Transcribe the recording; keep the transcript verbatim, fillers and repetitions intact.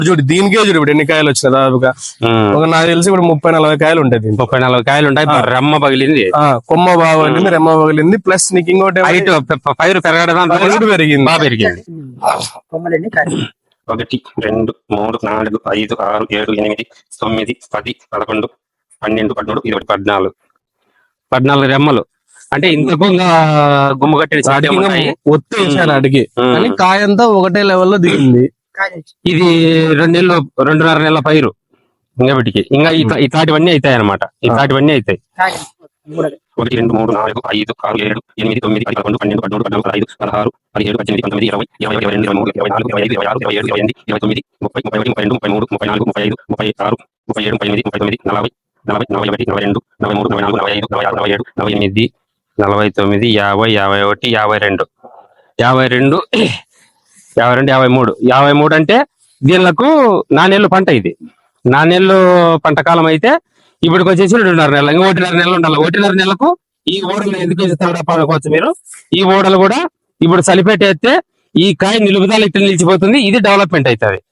చూడు దీనికే చూడు ఇప్పుడు ఎన్ని కాయలు వచ్చినాయి దాదాపుగా ఒక నాకు తెలిసి ఇప్పుడు ముప్పై నలభై కాయలు ఉంటాయి. ముప్పై నలభై కాయలు ఉంటాయి. రెమ్మ పగిలింది, కొమ్మ బాగా పగిలింది, రెమ్మ పగిలింది. ప్లస్ నీకు ఇంకోటి హైట్ పైరు పెరగడం పెరిగింది, బాగా పెరిగింది. ఒకటి రెండు మూడు నాలుగు ఐదు ఆరు ఏడు ఎనిమిది తొమ్మిది పది పదకొండు పన్నెండు పదమూడు ఇరవై పద్నాలుగు పద్నాలుగు రెమ్మలు. అంటే ఇంత గుమ్మ కట్టిన ఒత్తి వేసాను అడిగి, కానీ కాయ అంతా ఒకటే లెవెల్లో దిగింది. ఇది రెండు నెలలు రెండున్నర నెలల పైరు. ఇంకా వీటికి ఇంకా ఇట్లాంటివన్నీ అవుతాయి అనమాట. ఇట్లాంటివన్నీ అవుతాయి. ఒకటి రెండు మూడు నాలుగు ఐదు ఆరు ఏడు ఎనిమిది తొమ్మిది పది పదకొండు పన్నెండు పదమూడు పద్నాలుగు ఐదు పదహారు పదిహేడు పద్దెనిమిది పంతొమ్మిది ఇరవై ఇరవై ఇరవై రెండు ఇరవై మూడు ఇరవై నాలుగు ఇరవై ఐదు ఇరవై ఆరు ఇరవై ఏడు ఇరవై ఎనిమిది ఇరవై తొమ్మిది ముప్పై ముప్పై ఒకటి ముప్పై రెండు ముప్పై మూడు ముప్పై నాలుగు ముప్పై ఐదు ముప్పై ఆరు ముప్పై ఏడు ముప్పై ఎనిమిది ముప్పై తొమ్మిది నలభై నలభై నలభై ఒకటి నలభై రెండు నలభై మూడు నలభై నాలుగు నలభై ఐదు నలభై ఆరు నలభై ఏడు నలభై ఎనిమిది నలభై తొమ్మిది యాభై యాభై ఒకటి యాభై రెండు యాభై రెండు యాభై రెండు యాభై మూడు యాభై మూడు అంటే దీనిలకు నాణ్యలు పంట. ఇది నాణ్యలు పంట కాలం అయితే ఇప్పటికి వచ్చేసి రెండున్నర నెలలు, ఇంకా ఒకటిన్నర నెలలు ఉండాలి. ఒకటిన్నర నెలకు ఈ ఓడలు ఎందుకు పడుకోవచ్చు మీరు. ఈ ఓడలు కూడా ఇప్పుడు చలిపెట్టేస్తే ఈ కాయ నిలుపుదల ఇట్లా నిలిచిపోతుంది. ఇది డెవలప్మెంట్ అవుతుంది.